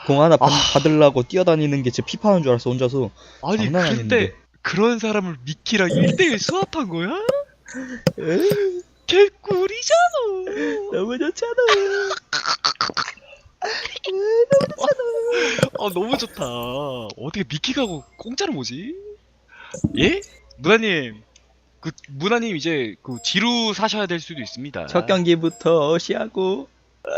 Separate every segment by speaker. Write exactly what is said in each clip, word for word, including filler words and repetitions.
Speaker 1: 공 하나 받,
Speaker 2: 아.
Speaker 1: 받으려고 뛰어다니는 게 제 피파하는 줄 알았어 혼자서.
Speaker 2: 아니
Speaker 1: 장난
Speaker 2: 근데
Speaker 1: 아닌데.
Speaker 2: 그런 사람을 미키랑 일 대 일 수합한 거야?
Speaker 1: 에이,
Speaker 2: 개꿀이잖아.
Speaker 1: 너무 좋잖아.
Speaker 2: 아 너무 좋다. 어떻게 미키가고 공짜로 뭐지? 예? 문화님 그 문화님 이제 그 지루 사셔야 될 수도 있습니다.
Speaker 1: 첫 경기부터 시하고.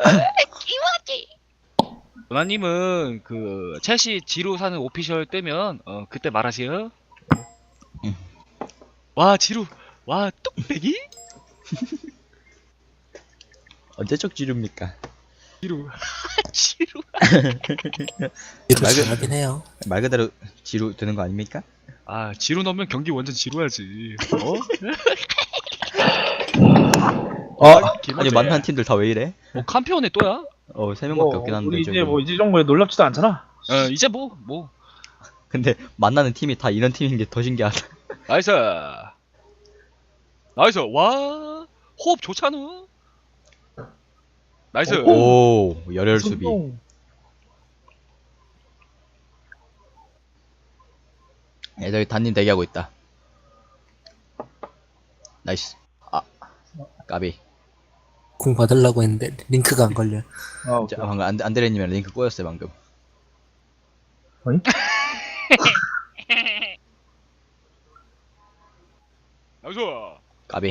Speaker 2: 문화님은 그 첼시 지루 사는 오피셜 뜨면 어 그때 말하세요.
Speaker 1: 응.
Speaker 2: 와 지루 와 뚝배기
Speaker 1: 언제적 지루입니까?
Speaker 2: 지루 지루
Speaker 3: 이거
Speaker 1: 말,
Speaker 3: 잘하긴 해요.
Speaker 1: 그, 말 그대로 지루 되는 거 아닙니까?
Speaker 2: 아 지루 넣으면 경기 완전 지루하지. 어?
Speaker 1: 아,
Speaker 2: 기본적이야.
Speaker 1: 아니 만난 팀들 다 왜 이래?
Speaker 2: 뭐 캄피온에 또야?
Speaker 1: 어, 세 명밖에
Speaker 4: 뭐,
Speaker 1: 없긴 한데
Speaker 4: 우리
Speaker 1: 저기.
Speaker 4: 이제 뭐 이제 정도에 놀랍지도 않잖아.
Speaker 2: 어 이제 뭐 뭐.
Speaker 1: 근데 만나는 팀이 다 이런 팀인 게 더 신기하다.
Speaker 2: 나이스 나이스 와 호흡 좋잖아. 나이스
Speaker 1: 오, 열혈 수비.
Speaker 4: 손동.
Speaker 1: 예, 저기 단님 대기하고 있다. 나이스. 아, 까비.
Speaker 3: 공 받으려고 했는데 링크가 안 걸려.
Speaker 4: 아,
Speaker 1: 자, 방금 안, 안드레님이랑 링크 꼬였어요 방금.
Speaker 4: 어이?
Speaker 2: 나이스
Speaker 1: 까비.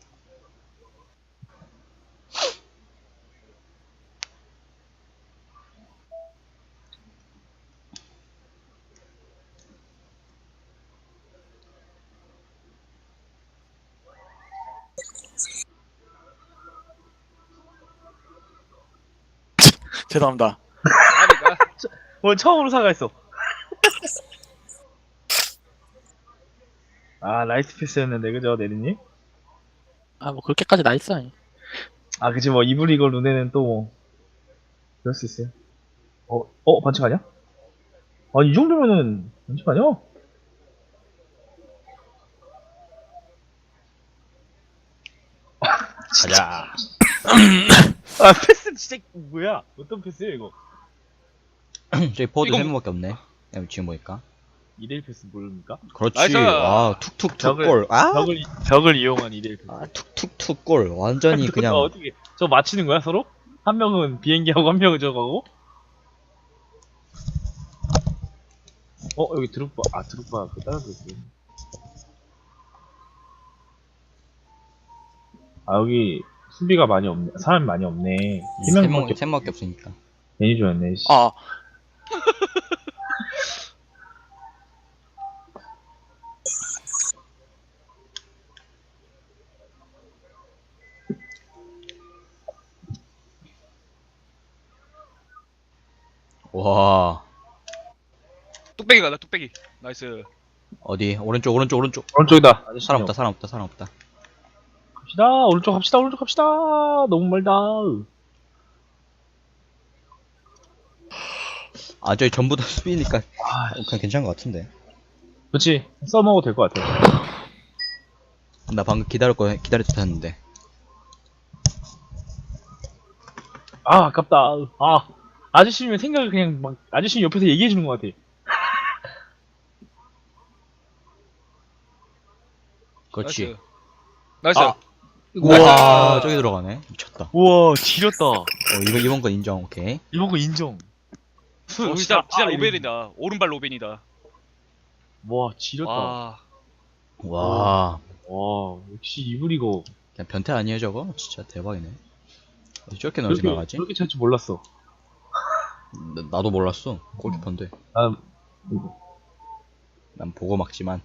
Speaker 5: 죄송합니다.
Speaker 2: 아니가
Speaker 4: 오늘 처음으로 사과했어. 아, 라이트 패스였는데, 그죠, 네리님?
Speaker 5: 아, 뭐 그렇게까지 나이스 아니.
Speaker 4: 아, 그치, 뭐, 이브리거 룬에는 또 뭐, 그럴 수 있어요. 어, 어, 반칙 아니야? 아, 이 정도면은, 반칙 아니야?
Speaker 1: 가자.
Speaker 4: 아, 패스 진짜, 뭐야? 어떤 패스야, 이거?
Speaker 1: 저기 포워드
Speaker 2: 이건-
Speaker 1: 세 명밖에 없네. 야, 지금 보니까.
Speaker 4: 이 대 일 패스 모릅니까?
Speaker 1: 그렇지.
Speaker 2: 나이스.
Speaker 1: 아, 툭툭툭
Speaker 4: 벽을-
Speaker 1: 골. 아,
Speaker 4: 벽을, 벽을 이용한 이 대 일 패스.
Speaker 1: 아, 툭툭툭 골. 완전히 그냥.
Speaker 4: 어, 어떻게, 저 맞히는 거야, 서로? 한 명은 비행기하고 한 명은 저거 하고? 어, 여기 드롭바, 아, 드롭바, 그 따라서 있어. 아, 여기, 수비가 많이 없네. 사람이 많이 없네. 세
Speaker 1: 세
Speaker 4: 명밖에
Speaker 1: 명, 세 명밖에 없으니까.
Speaker 4: 괜히 좋았네, 씨.
Speaker 5: 아,
Speaker 1: 와.
Speaker 2: 뚝배기 가다 뚝배기 나이스
Speaker 1: 어디? 오른쪽, 오른쪽, 오른쪽.
Speaker 4: 오른쪽이다. 아저씨
Speaker 1: 사람 없다, 사람 없다, 사람 없다.
Speaker 4: 갑시다. 오른쪽 갑시다. 오른쪽 갑시다. 너무 멀다.
Speaker 1: 아, 저기 전부 다 수비니까.
Speaker 4: 아,
Speaker 1: 어, 그냥 괜찮은 것 같은데.
Speaker 4: 그렇지. 써먹어도 될 것 같아.
Speaker 1: 나 방금 기다릴 거, 기다릴 듯 했는데.
Speaker 4: 아, 아깝다. 아, 아저씨면 생각을 그냥 막, 아저씨 옆에서 얘기해주는 것 같아.
Speaker 1: 그렇지.
Speaker 2: 나이스
Speaker 4: 아.
Speaker 1: 우와, 저기 들어가네. 미쳤다.
Speaker 4: 우와, 지렸다.
Speaker 1: 어, 이번, 이번 건 인정, 오케이.
Speaker 4: 이번 거 인정.
Speaker 2: 어, 진짜 진짜
Speaker 4: 아,
Speaker 2: 로벤이다 오른발 로벤이다
Speaker 4: 와, 지렸다. 와,
Speaker 2: 와
Speaker 1: 와,
Speaker 4: 역시 이브리거.
Speaker 1: 그냥 변태 아니에요, 저거? 진짜 대박이네. 어디 저렇게 넣지
Speaker 4: 그렇게,
Speaker 1: 나가지?
Speaker 4: 그렇게 찰 줄 몰랐어.
Speaker 1: 나, 나도 몰랐어. 골키퍼인데.
Speaker 4: 난,
Speaker 1: 난 보고 막지만.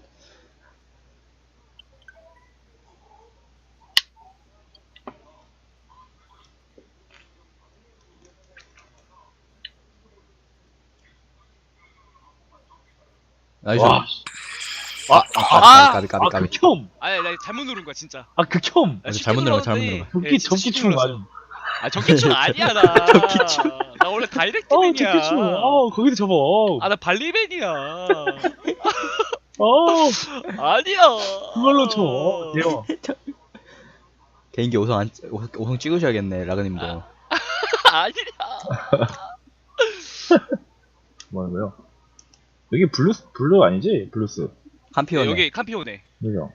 Speaker 1: 나이스.
Speaker 4: 와,
Speaker 1: 아, 아, 까비, 까비, 까비,
Speaker 4: 아,
Speaker 1: 까비.
Speaker 4: 극혐.
Speaker 2: 아니 나 잘못 누른 거야 진짜
Speaker 4: 아, 극혐.
Speaker 2: 나
Speaker 1: 맞아,
Speaker 2: 쉽게
Speaker 1: 잘못 누른 거야, 잘못
Speaker 2: 눌렀는데,
Speaker 1: 누른 거야.
Speaker 4: 적기,
Speaker 2: 예, 진짜
Speaker 4: 적기
Speaker 2: 쉽게
Speaker 4: 충
Speaker 2: 눌렀어.
Speaker 4: 맞아.
Speaker 2: 아 적기충 아니야 나
Speaker 4: 적기충.
Speaker 2: 나 원래
Speaker 4: 어,
Speaker 2: 다이렉트맨이야
Speaker 4: 적기 충. 어, 거기도 접어.
Speaker 2: 아 나 발리맨이야
Speaker 4: 어,
Speaker 2: 아니야
Speaker 4: 그걸로 쳐. 대박.
Speaker 1: 개인기 오성 안, 오성, 오성 찍으셔야겠네, 라그님도.
Speaker 2: 아니야
Speaker 4: 뭐라고요? 여기 블루스, 블루 아니지? 블루스.
Speaker 1: 캄피오네.
Speaker 2: 네, 여기 캄피오네.
Speaker 4: 그죠?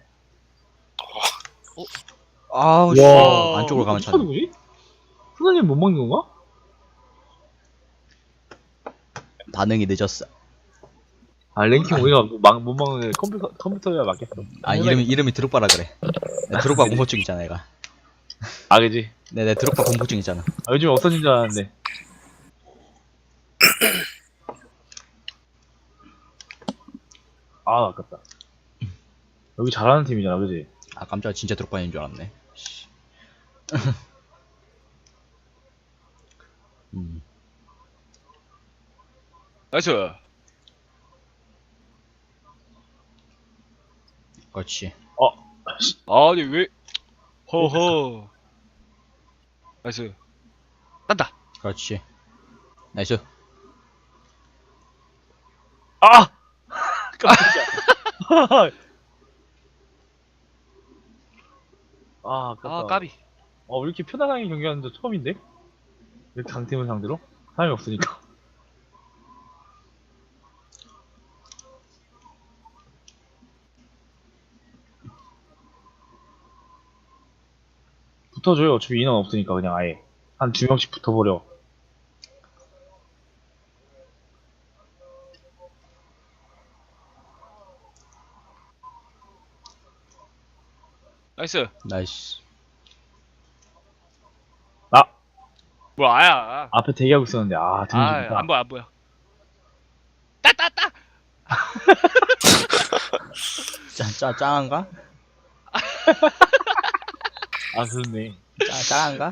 Speaker 1: 아우 씨.
Speaker 2: 와.
Speaker 1: 안쪽으로 가면
Speaker 4: 어떻게
Speaker 1: 차네.
Speaker 4: 누구지? 후나님 못 먹는 건가?
Speaker 1: 반응이 늦었어.
Speaker 4: 아, 랭킹 우리가 뭐 막, 못 먹는 컴퓨터, 컴퓨터야 맞겠어.
Speaker 1: 아 이름이 이름이 드록바라 그래. 내 드록바 공포증 있잖아 얘가.
Speaker 4: 아, 그지?
Speaker 1: 내 내 드록바 공포증 있잖아.
Speaker 4: 아, 요즘 없어진 줄 알았는데. 아, 아깝다. 여기 잘하는 팀이잖아, 그지?
Speaker 1: 아 깜짝 진짜 드록바인 줄 알았네. 씨. 음.
Speaker 2: 나이스.
Speaker 1: 그렇지.
Speaker 2: 아니 왜? 허허. 나이스. 딴다.
Speaker 1: 그렇지. 나이스.
Speaker 4: 아! 깜짝이야. 아, 아깝다.
Speaker 2: 아 까비.
Speaker 4: 어, 왜 이렇게 편안하게 경기하는 저 처음인데? 이렇게 강팀을 상대로? 사람이 없으니까. 붙어줘요. 어차피 인원 없으니까 그냥 아예. 한 두 명씩 붙어버려.
Speaker 2: 나이스.
Speaker 1: 나이스.
Speaker 4: 아!
Speaker 2: 뭐야 아야.
Speaker 4: 앞에 대기하고 있었는데, 아, 등지다.
Speaker 2: 아안 보여 안 보여. 따따따.
Speaker 1: 짜, 짜, 짱한가?
Speaker 4: 아, 그렇네.
Speaker 1: 짜, 짱한가?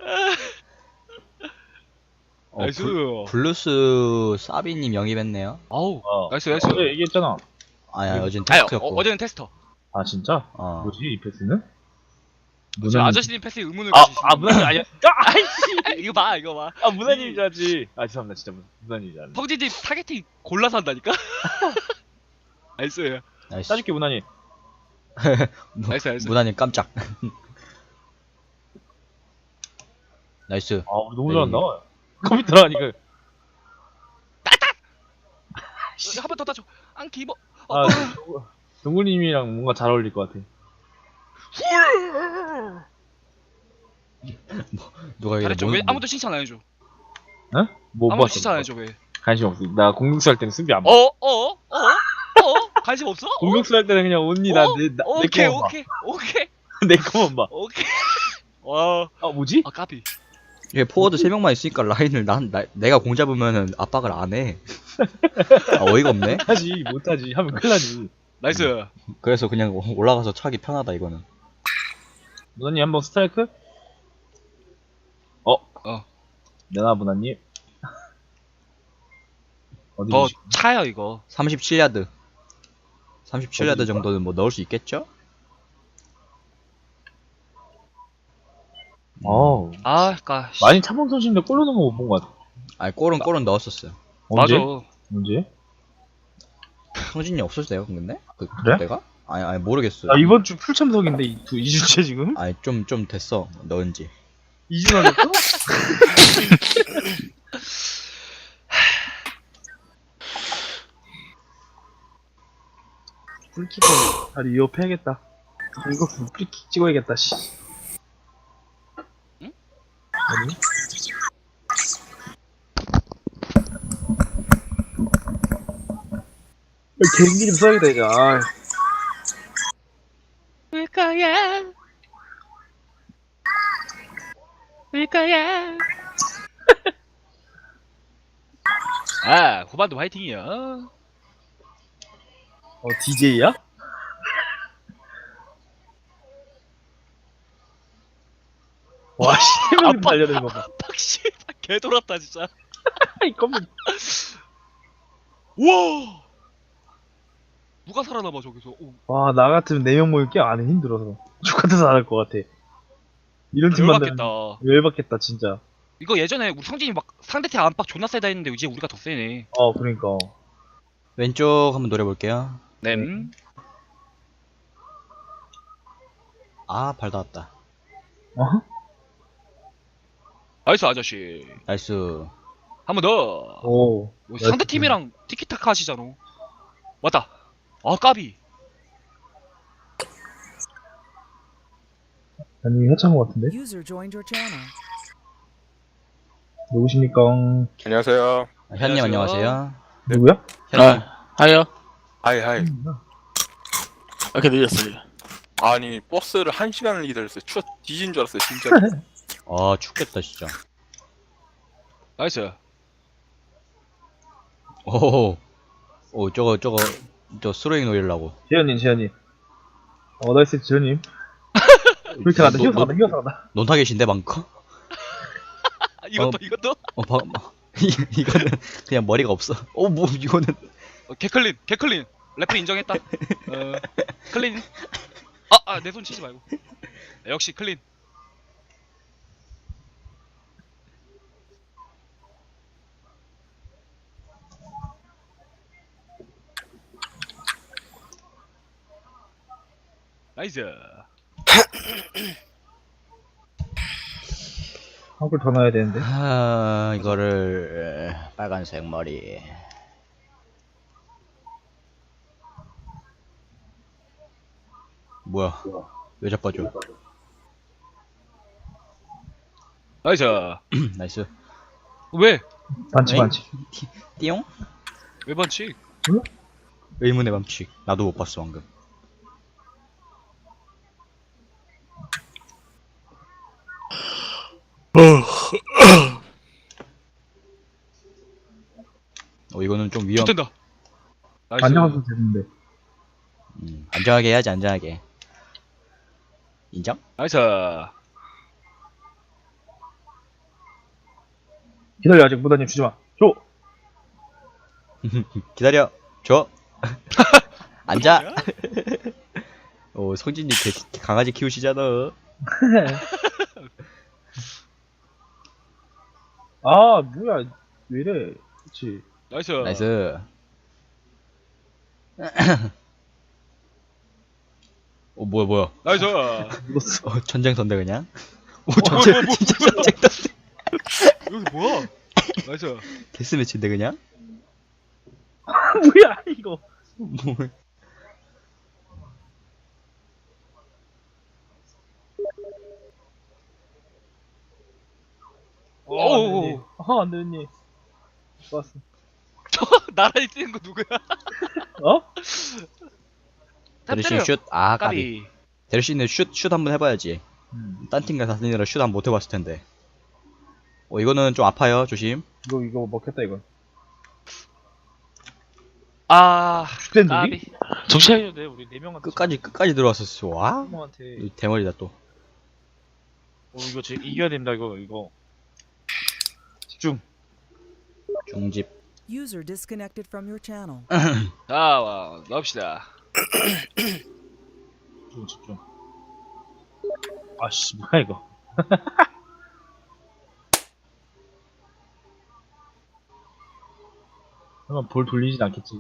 Speaker 1: 어,
Speaker 2: 나이스.
Speaker 1: 블, 블루스 사비님 영입했네요.
Speaker 2: 아우.
Speaker 4: 어.
Speaker 2: 나이스 나이스.
Speaker 4: 어제 얘기했잖아.
Speaker 1: 아야, 어젠
Speaker 2: 아유 어,
Speaker 1: 테스트였고.
Speaker 2: 어제는 테스터.
Speaker 4: 아, 진짜?
Speaker 1: 어.
Speaker 4: 뭐지, 이 패스는?
Speaker 2: 어제
Speaker 4: 문화님-
Speaker 2: 아저씨님 패스에 의문을
Speaker 4: 아,
Speaker 2: 가지시.
Speaker 4: 아, 문화님 아니야. 아, 아이씨!
Speaker 2: 이거 봐 이거 봐.
Speaker 4: 아, 문화님인 줄 알지. 아, 죄송합니다. 진짜 문- 문화님인 줄 알았네.
Speaker 2: 성진님 타겟팅 골라서 한다니까. 나이스.
Speaker 1: 나이스.
Speaker 4: 따줄게, 문화님.
Speaker 1: 무-
Speaker 2: 나이스 나이스.
Speaker 1: 무난히 깜짝. 나이스.
Speaker 4: 아, 우리 너무
Speaker 1: 네.
Speaker 4: 잘한다. 컴퓨터라 하니까.
Speaker 2: 한 번 더 따줘. 안 기버. 어,
Speaker 4: 아, 동구님이랑 뭔가 잘 어울릴 것 같아.
Speaker 1: 누가 이거
Speaker 2: 잘했죠.
Speaker 1: 뭐,
Speaker 2: 왜
Speaker 1: 뭐-
Speaker 2: 아무도 칭찬 안 해줘.
Speaker 4: 어? 뭐
Speaker 2: 아무도
Speaker 4: 봤어?
Speaker 2: 칭찬 안
Speaker 4: 뭐
Speaker 2: 해줘 왜?
Speaker 4: 관심 없어. 나 공격수 할 때는 수비 안 봐.
Speaker 2: 어? 어? 어? 어? 관심 없어? 어?
Speaker 4: 공격수 할 때는 그냥 언니 나
Speaker 2: 어?
Speaker 4: 내, 나, 내
Speaker 2: 오케이
Speaker 4: 거만
Speaker 2: 오케이 오케이
Speaker 4: 봐. 내 거만 봐.
Speaker 2: 오케이. 와.
Speaker 4: 아, 뭐지?
Speaker 2: 아 까비.
Speaker 1: 이게 포워드 세 명만 있으니까 라인을 난 나, 내가 공 잡으면은 압박을 안 해. 아, 어이가 없네.
Speaker 4: 하지, 못하지. 하면 큰일 나지.
Speaker 2: 나이스.
Speaker 1: 그래서 그냥 올라가서 차기 편하다 이거는.
Speaker 4: 문화님 한번 스트라이크? 어?
Speaker 2: 어.
Speaker 4: 내놔, 문화님. 어디
Speaker 2: 더
Speaker 4: 주시-
Speaker 2: 차요 이거.
Speaker 1: 삼십칠 야드. 삼십칠 야드
Speaker 4: 어디
Speaker 1: 정도는 뭐 넣을 수 있겠죠?
Speaker 4: 어우.
Speaker 2: 아, 까.
Speaker 4: 많이 차범 선수인데 골 넣는 거 못 본 것 같아.
Speaker 1: 아니 골은 골은 넣었었어요.
Speaker 4: 언제?
Speaker 2: 맞아.
Speaker 4: 언제?
Speaker 1: 성진이 없었어요 근데? 그,
Speaker 4: 그래?
Speaker 1: 내가? 아니 아니 모르겠어요.
Speaker 4: 아, 이번 주 풀 참석인데, 이, 두, 이 주째 지금?
Speaker 1: 아니 좀 좀 됐어 넣은지.
Speaker 4: 이 주 남았어? 풀키퍼 다리 위협해야겠다. 아, 이거 프리킥 찍어야겠다, 씨.
Speaker 2: 응?
Speaker 4: 아니? 아, 개인기 좀 써야겠다, 이제. 아,
Speaker 2: 울 거야. 울 거야. 아, 후반도 화이팅이야.
Speaker 4: 어, 디제이야? 와, 씨, 세 명이
Speaker 2: 아빠.
Speaker 4: 달려드는 거 봐.
Speaker 2: 팍씨, 개 돌았다 진짜.
Speaker 4: 이 컴퓨터.
Speaker 2: 우와. 누가 살아남아 저기서? 오,
Speaker 4: 와, 나 같으면 네 명 모일 게 안 해, 힘들어서. 죽같아서 안 할 것 같아. 이런 팀 만나면
Speaker 2: 열받겠다.
Speaker 4: 열받겠다, 진짜.
Speaker 2: 이거 예전에 우리 성진이 막 상대팀 안팎 존나 세다 했는데 이제 우리가 더 세네.
Speaker 4: 어, 그러니까.
Speaker 1: 왼쪽 한번 노려볼게요.
Speaker 2: 네.
Speaker 1: 아 발 닿았다.
Speaker 4: 어?
Speaker 2: 나이스 아저씨.
Speaker 1: 나이스.
Speaker 2: 한 한 번 더.
Speaker 4: 오.
Speaker 2: 뭐 상대 팀이랑 티키타카 하시잖아. 맞다. 아 까비.
Speaker 4: 아니, 해찬 것 같은데?
Speaker 6: User joined your channel.
Speaker 4: 누구십니까?
Speaker 7: 안녕하세요.
Speaker 1: 아, 현님
Speaker 2: 안녕하세요.
Speaker 1: 안녕하세요.
Speaker 4: 누구야?
Speaker 1: 현님.
Speaker 5: 아, 하여.
Speaker 7: 하이 하이.
Speaker 5: 이렇게 늦었어요.
Speaker 7: 아니 버스를 한 시간을 기다렸어요. 추워 뒤진 줄 알았어요 진짜.
Speaker 1: 아 춥겠다 진짜.
Speaker 2: 나이스.
Speaker 1: 오. 오 저거 저거 저 스로잉 노리려고.
Speaker 4: 재현님, 재현님. 어, 나이스, 재현님. 그렇게 간다,
Speaker 1: 너-
Speaker 4: 휘어서
Speaker 1: 너-
Speaker 4: 간다, 휘어서 간다.
Speaker 1: 논타겟인데 방금?
Speaker 2: 아, 이것도 이것도.
Speaker 1: 어 방. 이- 이거는 그냥 머리가 없어. 어 뭐 이거는.
Speaker 2: 어, 개클린 개클린. 래플 인정했다. 어 클린. 아아 내 손 치지 말고. 역시 클린. 나이스.
Speaker 4: 한 골 더 넣어야 되는데.
Speaker 1: 아 이거를 빨간색 머리. 뭐야? 왜 자빠져?
Speaker 2: 나이스.
Speaker 1: 나이스.
Speaker 2: 왜?
Speaker 4: 반칙,
Speaker 1: 에이?
Speaker 4: 반칙.
Speaker 1: 띠용?
Speaker 2: 왜 반칙?
Speaker 1: 의문의 밤칙. 나도 못 봤어 방금. 어 이거는 좀 위험.
Speaker 2: 좋된다. 나이스.
Speaker 4: 안녕하세요, 재현인데.
Speaker 1: 음, 안정하게 해야지 안정하게. 인정?
Speaker 2: 나이스.
Speaker 4: 기다려, 아직 무다님 주지 마. 줘!
Speaker 1: 기다려. 줘. 앉아. 오 성진이 개, 강아지 키우시잖아.
Speaker 4: 아, 뭐야. 왜 이래. 그치.
Speaker 2: 나이스.
Speaker 1: 나이스. 오 뭐야 뭐야.
Speaker 2: 나이스.
Speaker 4: 묻었어.
Speaker 1: 어, 전쟁선대 그냥. 오
Speaker 2: 뭐야,
Speaker 1: 전쟁
Speaker 2: 뭐야, 뭐야,
Speaker 1: 진짜
Speaker 2: 뭐야.
Speaker 1: 전쟁선대.
Speaker 2: 여기 뭐야? 나이스.
Speaker 1: 데스매치인데 그냥.
Speaker 4: 뭐야, 이거.
Speaker 1: 뭐.
Speaker 2: 오오오.
Speaker 4: 아, 안 되니. 좋았어.
Speaker 2: 저 나란히 뛰는 거 누구야?
Speaker 4: 어?
Speaker 1: 데르신 슛. 아 까비.
Speaker 2: 까비.
Speaker 1: 데르신은 슛슛 한번 해봐야지.
Speaker 4: 음.
Speaker 1: 딴 팀과 다니느라 슛 한번 못 해봤을 텐데. 어 이거는 좀 아파요. 조심.
Speaker 4: 이거, 이거 먹혔다, 이거.
Speaker 2: 아.
Speaker 4: 슈텐
Speaker 2: 까비.
Speaker 4: 누리?
Speaker 5: 정신 차려야 돼. 우리 네 명한테.
Speaker 1: 끝까지 끝까지 들어왔었어. 와.
Speaker 5: 명한테.
Speaker 1: 이 대머리다 또.
Speaker 5: 어, 이거 지, 이겨야 됩니다. 이거 이거.
Speaker 4: 집중.
Speaker 1: 중집.
Speaker 6: User disconnected from your channel.
Speaker 2: 자, 와, 넣읍시다.
Speaker 4: 집중, 집중. 아씨, 뭐야, 이거. 설마 볼 돌리진 않겠지.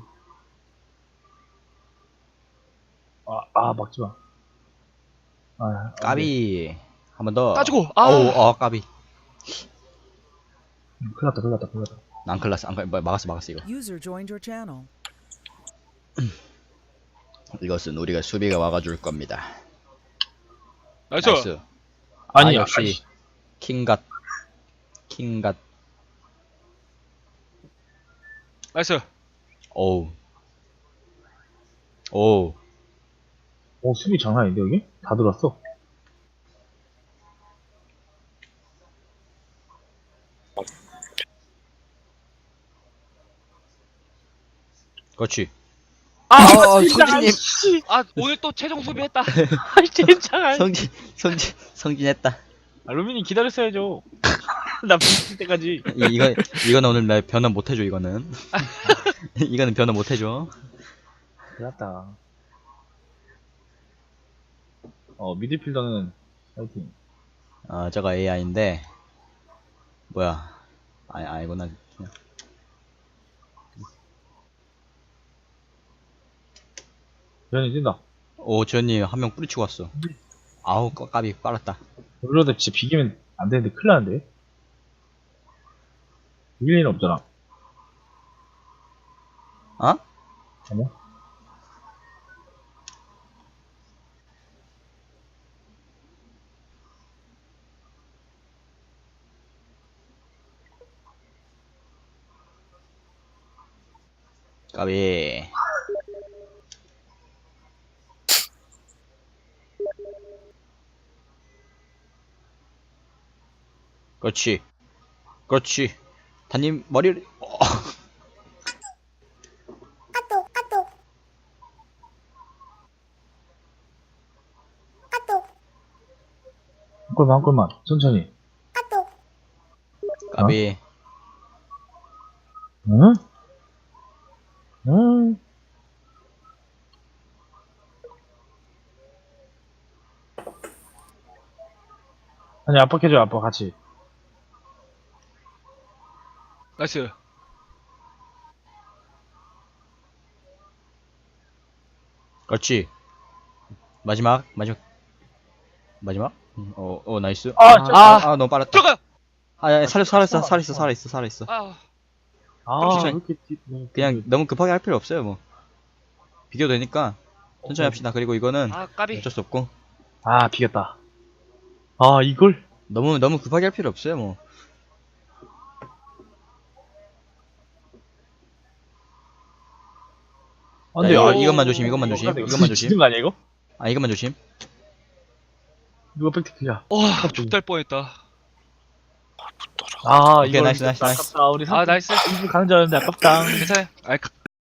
Speaker 4: 아, 아, 막지 마. 아, 안 돼.
Speaker 1: 까비. 한 번 더.
Speaker 2: 따주고. 아.
Speaker 1: 어우 어 까비.
Speaker 4: 음, 큰일 났다, 큰일 났다, 큰일 났다.
Speaker 1: 난 클라스 안 클- 막았어 막았어 이거.
Speaker 6: User joined your channel.
Speaker 1: 이것은 우리가 수비가 막아줄 겁니다.
Speaker 2: 나이스.
Speaker 1: 나이스.
Speaker 4: 아니,
Speaker 1: 아, 역시
Speaker 4: 아이씨.
Speaker 1: 킹갓 킹갓.
Speaker 2: 나이스.
Speaker 1: 오우 오우.
Speaker 4: 어, 수비 장난 아닌데, 여기? 다 들어왔어.
Speaker 1: 그렇지.
Speaker 2: 아,
Speaker 1: 아, 성진님.
Speaker 2: 아, 오늘 또 최종 수비했다.
Speaker 5: 아이 진짜.
Speaker 1: 성진 성진 성진했다.
Speaker 5: 알루미늄 기다렸어야죠. 나 비칠 때까지.
Speaker 1: 이, 이거 이거는 오늘 나 변화 못 해줘 이거는. 이거는 변화 못 해줘.
Speaker 4: 큰일 났다. 어, 미드필더는, 파이팅.
Speaker 1: 아 저거 에이아이인데 뭐야? 아니 아니구나. 그냥.
Speaker 4: 변이 뛴다.
Speaker 1: 오 지현님 한 명 뿌리치고 왔어. 아우 까- 까비 빨았다.
Speaker 4: 이러다 진짜 비기면 안 되는데, 큰일 나는데? 이길 일은 없잖아.
Speaker 1: 어?
Speaker 4: 아니야?
Speaker 1: 까비. 그렇지. 그렇지. 단님 머리를. 어.
Speaker 4: 한 골만, 한 골만. 천천히.
Speaker 1: 까비.
Speaker 4: 응? 응? 아니, 압박해줘, 압박 같이.
Speaker 2: 나이스.
Speaker 1: 그렇지. 마지막 마지막 마지막. 음, 어, 어 나이스.
Speaker 4: 아,
Speaker 1: 아,
Speaker 4: 저-
Speaker 1: 아, 아, 너무 빨랐다.
Speaker 2: 들어가.
Speaker 1: 아, 야, 살렸어, 살았어, 살았어, 살았어, 살았어.
Speaker 2: 아,
Speaker 4: 아, 왜
Speaker 1: 천천히.
Speaker 4: 이렇게 뒤, 네,
Speaker 1: 그냥 너무 급하게 할 필요 없어요, 뭐. 비교도 되니까 천천히 합시다. 그리고 이거는
Speaker 2: 아 까비.
Speaker 1: 어쩔 수 없고
Speaker 4: 아, 비겼다. 아, 이걸?
Speaker 1: 너무 너무 급하게 할 필요 없어요, 뭐.
Speaker 4: 아,
Speaker 1: 자,
Speaker 4: 근데,
Speaker 1: 이거,
Speaker 4: 아,
Speaker 1: 이것만 조심, 이것만
Speaker 4: 이거
Speaker 1: 조심,
Speaker 4: 어떡하냐,
Speaker 1: 이것만
Speaker 4: 이거
Speaker 1: 조심.
Speaker 4: 지는 거 아니야, 이거?
Speaker 1: 아, 이것만 조심.
Speaker 4: 누가 백티크야?
Speaker 2: 와, 족달 뻔했다.
Speaker 4: 아,
Speaker 1: 오케이,
Speaker 4: 이거
Speaker 1: 나이스, 나이스, 나이스.
Speaker 4: 아깝다. 우리
Speaker 2: 아 나이스.
Speaker 4: 삼 분 가는 줄 알았는데 아깝다.
Speaker 2: 괜찮아요. 아, 가-